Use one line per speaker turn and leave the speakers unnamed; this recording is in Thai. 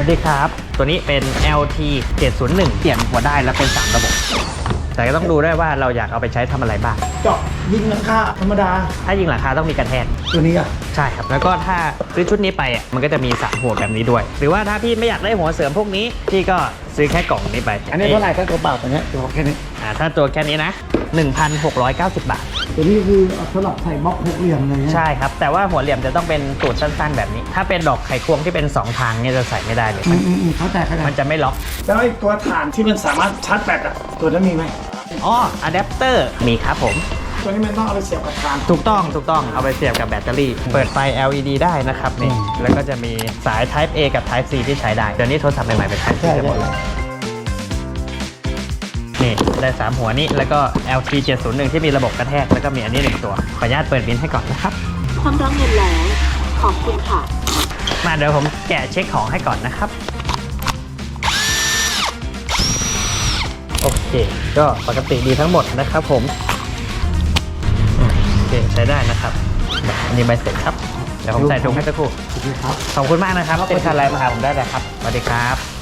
วัสดีครับตัวนี้เป็น LT 701เปลี่ยนหัวได้แล้วเป็น3ระบบแต่ก็ต้องดูด้วยว่าเราอยากเอาไปใช้ทำอะไรบ้าง
เจาะยิงหลังคาธรรมดา
ถ้ายิงหลังคาต้องมีกระแทก
ตัวนี้อ่ะ
ใช่ครับแล้วก็ถ้าซื้อชุดนี้ไปมันก็จะมี3หัวแบบนี้ด้วย หรือว่าถ้าพี่ไม่อยากได้หัวเสริมพวกนี้พี่ก็ซื้อแค่กล่องนี้ไป
อันนี้เท่าไหร่ก็ตัวเปล่าตัวนี้ตัวแค่นี้
ถ้าตัวแค่นี้นะ 1,690 บาท
ตัวนี้คือสำหรับใส่บล็อกหกเหลี่ยมเลย
ใช่ครับแต่ว่าหัวเหลี่ยมจะต้องเป็นตูดสั้นๆแบบนี้ถ้าเป็นดอกไขควงที่เป็น2ทางเนี่ยจะใส่ไม่ได้เลย
เขาแต่
มันจะไม่ล็อก
แล้วไอ้ตัวฐานที่มันสามารถชาร์จแบตอ่ะตัวนั้นมีไหม
อ๋ออะแดปเตอร์มีครับผม
ตัวนี้มันต้องเอาไปเสียบกับฐาน
ถูกต้องเอาไปเสียบกับแบตเตอรี่เปิดไฟ LED ได้นะครับนี่แล้วก็จะมีสาย Type A กับ Type C ที่ใช้ได้เดี๋ยวนี้โทรศัพท์ใหม่ๆเป็น Type C กันหมดเลยนี่ได้3หัวนี้แล้วก็ LT 701ที่มีระบบกระแทกแล้วก็มีอันนี้1ตัวขออนุญาตเปิดบินให้ก่อนนะครับ
พร้อมรับเงินแล้วขอบคุณค่ะ
มาเดี๋ยวผมแกะเช็คของให้ก่อนนะครับโอเคก็ปกติดีทั้งหมดนะครับผมโอเคใช้ได้นะครับอันนี้ใบเสร็จครับเดี๋ยวผมใส่ถุงให้สักครู่ขอบคุณมากนะครับเป็นค่าแรงมาหาผมได้เลยครับสวัสดีครับ